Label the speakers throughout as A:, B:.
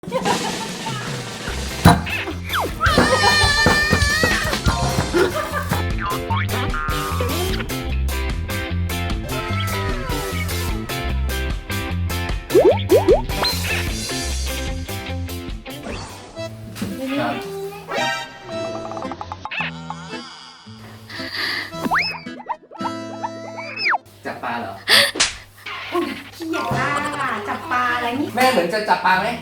A: จับปลาเหรอ
B: ขี้ใหญ่มากอ่ะจับปลาอะไรนี่
A: แม่เหมือนจะจับปลาไหม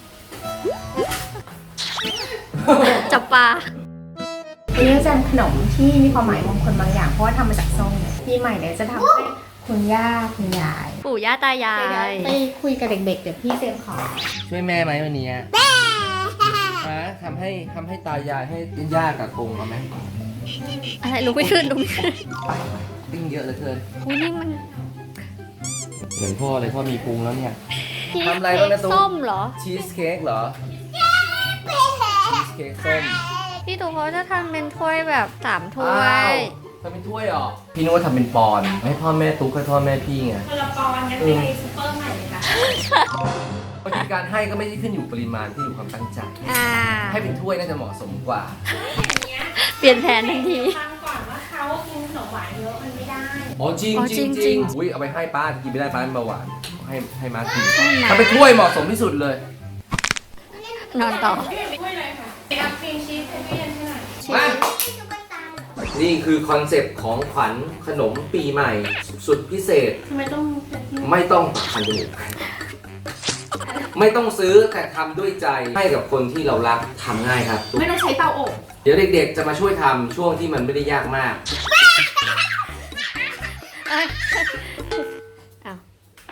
C: จับปลา
B: วันนี้จะเป็นขนมที่มีความหมายมงคลบางอย่างเพราะว่าทำมาจากส้มปีใหม่เนี่ยจะทำให้คุณย่าคุณยาย
C: ปู่ย่าตายาย
B: ไปคุยกับเด็กๆเดี๋ยวพี่เตรียมของ
A: ช่วยแม่ไหมวันนี้ฮะทำให้ตายายให้ย่ากับกงเอาไหม
C: อะไรลุกไม่ขึ้นลุกไม่ขึ้น
A: ติ้งเยอะเหลือเกิน
C: อุ้ยนี่มัน
A: เหมือนพ่อเลยพ่อมีพุงแล้วเนี่ย
C: ชีส
A: ทำอะไรบ้างนะตุ๊ก
C: ส้มเหรอ
A: ชีสเค้กเหรอชีสเค้กส้ม
C: พี่ตู่เขาจะทำเป็นถ้วยแบบ3 ถ้ว
A: อ้าวย ทำเป็นถ้วยเหรอพี่นึกว่าทำเป็นปอนด์ให้พ่อแม่ตุ๊กให้พ่อแม่พี่ไง
B: คนละปอนงั้นไปซูเปอร์ใหม่เลยค่ะ
A: บางทีการให้ก็ไม่ได้ขึ้นอยู่ปริมาณที่อยู่ความตั้งใจ
C: อ่า
A: ให้เป็นถ้วยน่าจะเหมาะสมกว่า
C: เปลี่ยนแผนทันที
B: ฟังก่อนว่าเขากินขนมหวานเยอะมันไม่ได้
A: อ๋อจริง
C: อ๋อ
A: จริง
C: จ
A: จ
C: ริ
A: ริ
C: ง
A: งอุ้ยเอาไปให้ป้ากินไม่ได้ป้าเป็นเบาหวานให้มากิน
C: ให้มา
A: ทำเป็นถ้วยเหมาะสมที่สุดเลย
C: นอนต่อ
B: ไม่เลยค่ะไปอัพครีมชีสให้พี่ยันให้หน่อย
A: มานี่คือคอนเซปต์ของขวัญขนมปีใหม่สุดพิเศษ
B: ทำไมต้องเป็นที่
A: ไม่ต้องพันจมูกไม่ต้องซื้อแต่ทำด้วยใจให้กับคนที่เรารักทำง่ายครับ
B: ไม่ต้องใช้เตาอบ
A: เดี๋ยวเด็กๆจะมาช่วยทำช่วงที่มันไม่ได้ยากมาก
C: เอ้ยอ้าว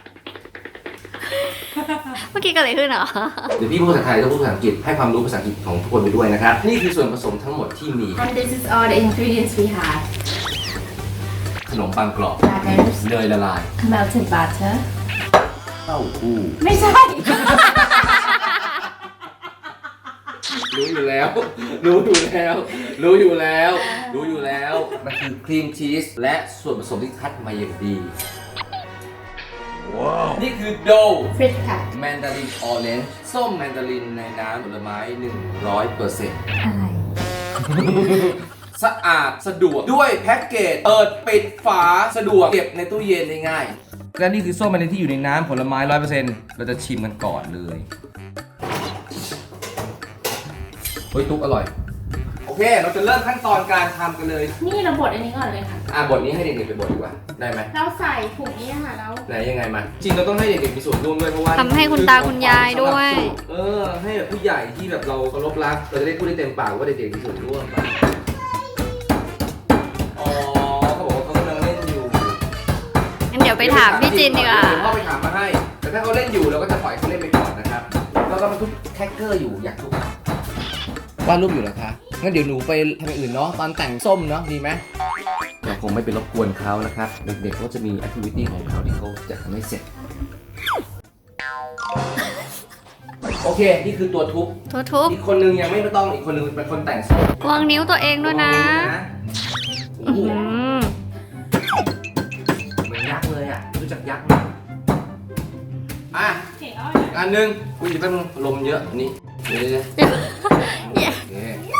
C: เมื่อกี้เกิดอะไรขึ้นเหรอ
A: เดี๋ยวพี่พูดภาษาไทยแล้วพูดภาษาอังกฤษให้ความรู้ภาษาอังกฤษของทุกคนไปด้วยนะครับ นี่คือส่วนผสมทั้งหมดที่มี
B: and this is all the ingredients we have
A: ขนมปังกรอบ
B: Butters
A: เนยละลาย
B: melted butter
A: เต้าหู้
B: ไม่ใช่
A: รู้อยู่แล้ว รู้อยู่แล้ว รู้อยู่แล้ว รู้อยู่แล้ว มันคือครีมชีสและส่วนผสมที่คัดมาอย่างดี ว้าว นี่คือโด
B: frit ค่ะ
A: แมนดารินออเรนจ์ส้มแมนดารินในน้ำผลไม้ 100%
B: อะไร
A: สะอาดสะดวกด้วยแพ็กเกจเปิดปิดฝาสะดวกเก็บในตู้เย็นได้ง่ายและนี่คือส้มแมนดารินที่อยู่ในน้ำผลไม้ 100% เราจะชิมกันก่อนเลยเฮ้ยตุ๊กอร่อย โอเค เราจะเริ่มขั้นตอนการทำกันเลย
B: นี่เราบดอันนี้ก่อนเลยค่ะ
A: บทนี้ให้เด็กๆไปบทดีกว่า ได้ไหม
B: เราใส่ถุงนี้ค่ะแล้ว
A: ไหนยังไงมา จริงเราต้องให้เด็กๆมีส่วนร่วมด้วยเพราะว่า
C: ทำให้คุณตาคุณยายด้วย
A: ให้แบบผู้ใหญ่ที่แบบเราเคารพรักเราจะได้พูดได้เต็มปากว่าเด็กๆมีส่วนร่วมไปอ๋อเขาบอกว่าเขากำลังเล่นอยู่
C: งั้นเดี๋ยวไปถามพี่จินดีกว่า
A: เดี๋ยวพ่อไปถามมาให้ แต่ถ้าเขาเล่นอยู่เราก็จะปล่อยเขาเล่นไปก่อนนะครับแล้วก็มันทุกแท็กเกอร์อยู่อยากทุกวาดรูปอยู่เหรอคะงั้นเดี๋ยวหนูไปทำอย่างอื่นเนาะตอนแต่งส้มเนาะดีไหมเราคงไม่ไปรบกวนเขานะครับเด็กๆเขาจะมีแอคทิวิตี้ของเขาที่เขาจะทำให้เสร็จโอเคนี่คือตัวทุบ
C: ทุบ
A: อีกคนนึงยังไม่ต้องอีกคนนึงเป็นคนแต่งส้ม
C: ๆวางนิ้วตัวเองด้วยนะ
A: โอ้โห
C: อืม
A: เหมือนยักษ์เลยอ่ะรู้จักยักษ์ไหมอ่ะ
B: เห็นแล้ว
A: อันหนึงคุณจะเป็นลมเยอะนี่เดี๋ยวโอเค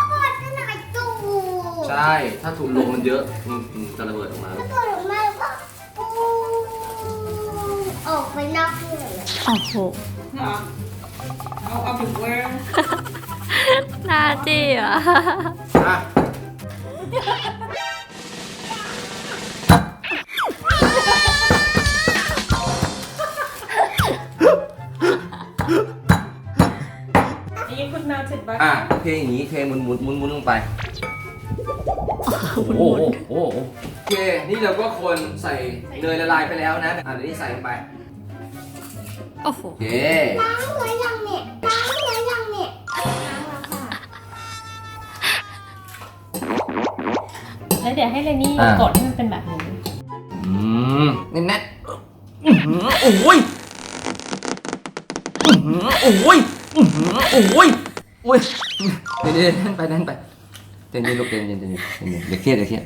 A: ใช่ถ้าถูกลมมันเยอะจะระเบิดออกมา
D: ออกไปนอกเลย
C: โอ้โห
B: เหรอเอาถึงเวอร์
C: หน้าจี้อ่ะ
A: อ่ะ
B: อันนี้คุณ melted butter
A: โอเคอย่างนี้เทหมุนลงไปโอ้โหโอเคนี่เราก็คนใส่เนยละลายไปแล้วนะเดี๋ยวนี้ใส่ลงไป
C: โอ้โห
A: โอเค
D: ล้างหัวยังเนี่ยล้างหัวยังเนี่ยล้างแล้วค่ะ
B: แล้วเดี๋ยวให้เรนนี่กดให้มันเป็นแบบนี้
A: แน่นๆโอ้ยโอ้ยเดี๋ยวนั่นไปเย็นลูกเย็นอย่าเครียด
D: เหมื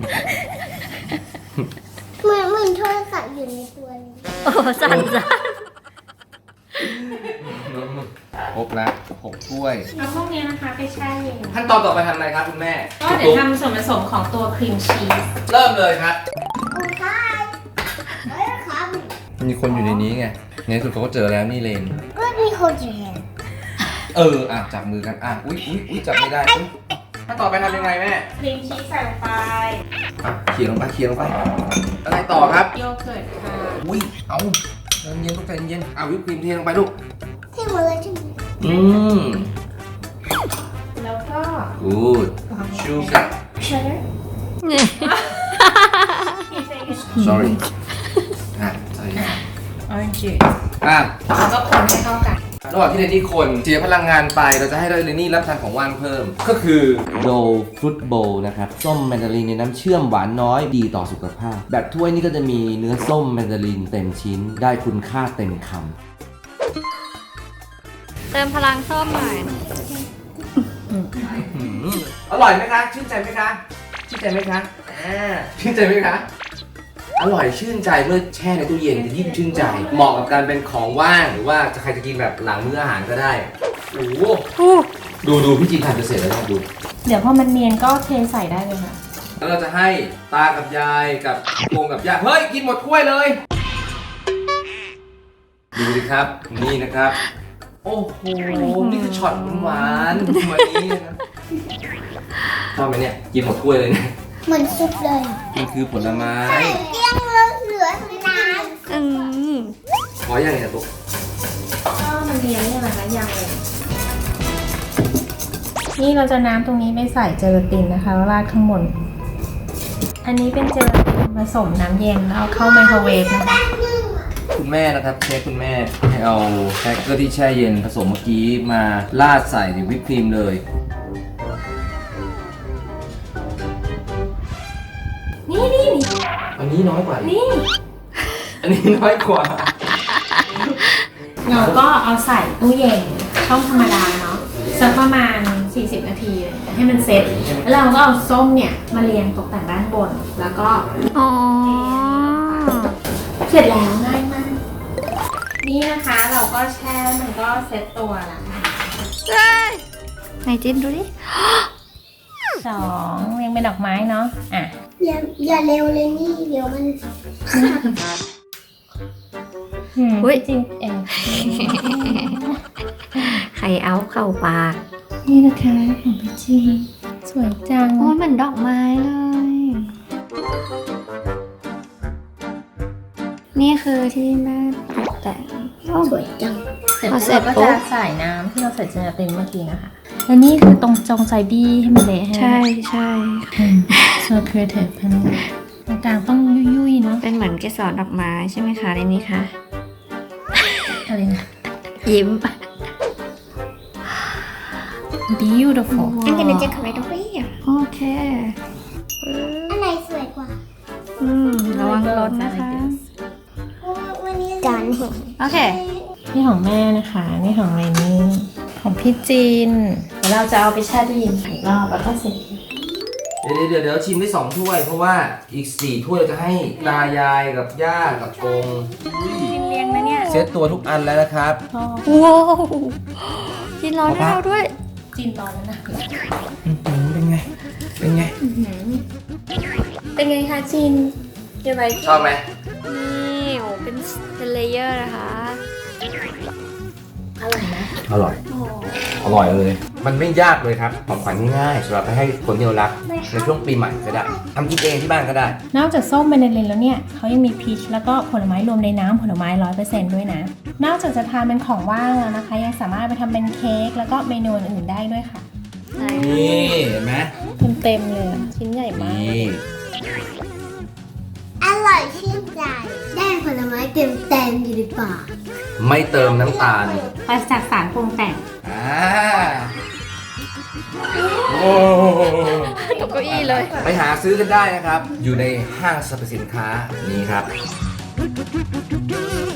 D: อนโทรศัพท์อยู่ในตัวเลย
C: โอ้สั่น
A: ครบแล้ว6ถ้วย
B: เอาพวกนี้นะคะไปแช่เย็น
A: ขั้นตอนต่อไปทำอะไรครับคุณแม่
B: ก็เดี๋ยวทำส่วนผสมของตัวครีมชีส
A: เริ่มเลยครับ
D: โอ้ค่ะเฮ้ยครับ
A: มีคนอยู่ในนี้ไงในที่สุดเขาก็เจอแล้วนี่เลน
D: ก็มีคนอยู่เห็น
A: จับมือกันอุ๊ยจับไม่ได้ขั้นต่อไปทำยังไงแม่
B: ครีมชีสใส่ลงไป
A: เขี่ยลงไปอะไรต่อครับ
B: โยเกิร์ตค่ะ
A: อุ้ยเอาเย็นๆลูกใจเย็นวิปครีมเทลงไปลูก
D: ที่หมดเลยใช่ไหม
B: แล้วก็
A: good sugar
B: เชอร์
A: sorry ใส่
B: ออเรนจ์จูส
A: แล้ว
B: ก็คนให้เข้ากัน
A: ระหว่างที่เรนนี่คนเสียพลังงานไปเราจะให้เรนนี่รับประทานของว่างเพิ่ม ก็คือโดฟรุตโบว์นะครับส้มแมนดารินในน้ำเชื่อมหวานน้อยดีต่อสุขภาพ แบบถ้วยนี้ก็จะมีเนื้อส้มแมนดารินเต็มชิ้นได้คุณค่าเต็มคำ
C: เติมพลังส้มหน่อย
A: อร่อยไหมคะ ชื่นใจไหมคะ ชื่นใจไหมคะชื่นใจไหมคะ อร่อยชื่นใจเมื่อแช่ในตู้เย็นจะยิ่งชื่นใจ เหมาะกับการเป็นของว่างหรือว่าใครจะกินแบบหลังมื้ออาหารก็ได้ โอ้โหดูพี่จีนทำจะเสร็จแล้วนะดู
B: เดี๋ยวพอมันเนียนก็เทใส่ได้เลยค่ะ
A: แล้วเราจะให้ตากับยายกับโกงกับย่าเฮ้ยกินหมดถ้วยเลย ดูดิครับ นี่นะครับ โอ้โห นี่คือช็อตหวานๆวันนี้นะชอบไหมเนี่ย กินหมดถ้วยเลยเนี่ย
D: เหมือนซุปเลย
A: มันคือผลไม้
D: เตี้ยงแล้วเหลือน้
C: อืม
A: ขออย่างเนี่ยตุ๊ก
B: ก็มันเนียนเนี่ยนะคะยังเลย นี่เราจะน้ำตรงนี้ไปใส่เจลาตินนะคะแล้วราดข้างบน อันนี้เป็นเจลาตินผสมน้ำเย็นแล้วเอาเข้าไมโครเวฟนะคะ
A: คุณแม่นะครับเชฟคุณแม่ให้เอาแครกเกอร์ที่แช่เย็นผสมเมื่อกี้มาราดใส่ในวิปครีมเลย
B: นี่
A: อันนี้น้อยกว่าอีก
B: นี่
A: อันนี้น้อยกว่า
B: เราก็เอาใส่ตู้เย็นช่องธรรมดาเนาะสักประมาณ 40 นาทีเลยให้มันเซ็ตแล้วเราก็เอาส้มเนี่ยมาเรียงตกแต่งด้านบน แล้วก็
C: อ๋อ
B: เสร็จแล้วง่ายมาก นี่นะคะเราก็แช่มันก็เซ็ตตัวแล้ว
C: ไหนจิ้นดูดิ
B: 2เรียงเป็นดอกไม้เนาะอ่ะ
D: ำอย่าเร็วเลยนี่เดี๋ยวมัน
C: อุ๊ย
B: จริงเอง
C: ไข่เอาเข้าปาก
B: นี่นะคะของพี่จีสวยจัง
C: โอ้ยเหมือนดอกไม้เลย นี่คือที่แม่ตกแต่ง
D: สวยจัง
B: เสร็จ
C: พอเสร็
B: เรา
C: จ
B: ก็
C: ปุ๊
B: จะ
C: บ
B: ใส่น้ำที่เราใส่เจลาตินเมื่อกี้นะคะ และนี่คือตรงจงใจบี้ให้มันเละให้
C: ใช่
B: so creative พันตรงกลางต้องยุ่ยๆเนาะ
C: เป็นเหมือนเกสรดอกไม้ใช่ไหมคะในนี้ค่ะ
B: อะไรนะ
C: ยิ้ม
B: beautiful
D: I'm gonna decorate over here
C: โอเค
D: อันไหนสวยกว่า
C: ระวังรถนะคะ
D: วันนี้จานเห็น
C: โอเค
B: นี่ของแม่นะคะ นี่ของเรนนี่ของพี่จีนเดี๋ยวเราจะเอาไปแช่ตู้เย็นอีกรอบแล้วก็เสร็จ
A: เดี๋ยวชิมได้2ถ้วย เพราะว่าอีก4ถ้วยเราจะให้ตายายกับย่ากับกง
C: เรียงนะเนี่ย
A: เซตตัวทุกอันแล้วนะครับ
C: ว้าวกินร้อนให้เราด้วย
B: จีนตอนนั้นนะ
A: เป็นไง เป็นไง
B: เป็นไงคะจีนยังไง
A: ชอบไหม
C: นี่โอ้เป็นเลเยอร์นะคะ
B: อร่อยนะ
A: อร่อย อร่อยเลย มันไม่ยากเลยครับ ของขวัญง่ายๆสำหรับไปให้คนที่เรารักในช่วงปีใหม่ก็ได้ทำกินเองที่บ้านก็ได้
B: นอกจากส้มเบเนลินแล้วเนี่ยเขายังมีพีชแล้วก็ผลไม้รวมในน้ำผลไม้ 100% ด้วยนะ นอกจากจะทานเป็นของว่างแล้วนะคะ ยังสามารถไปทำเป็นเค้กแล้วก็เมนูอื่นๆได้ด้วยค่ะ
A: นี่เห็นไหม
B: เต็มๆเลยอะชิ้นใหญ่มาก
A: นี่
D: อร่อยชื่นใจ ได้ผลไม้เต็มอยู่ในปาก
A: ไม่เติมน้ำตาล
B: ปราศจากสารปรุงแต่ง
A: โอ้
C: ตกเก้าอี้เลย
A: ไปหาซื้อกันได้นะครับ อยู่ในห้างสรรพสินค้านี้ครับ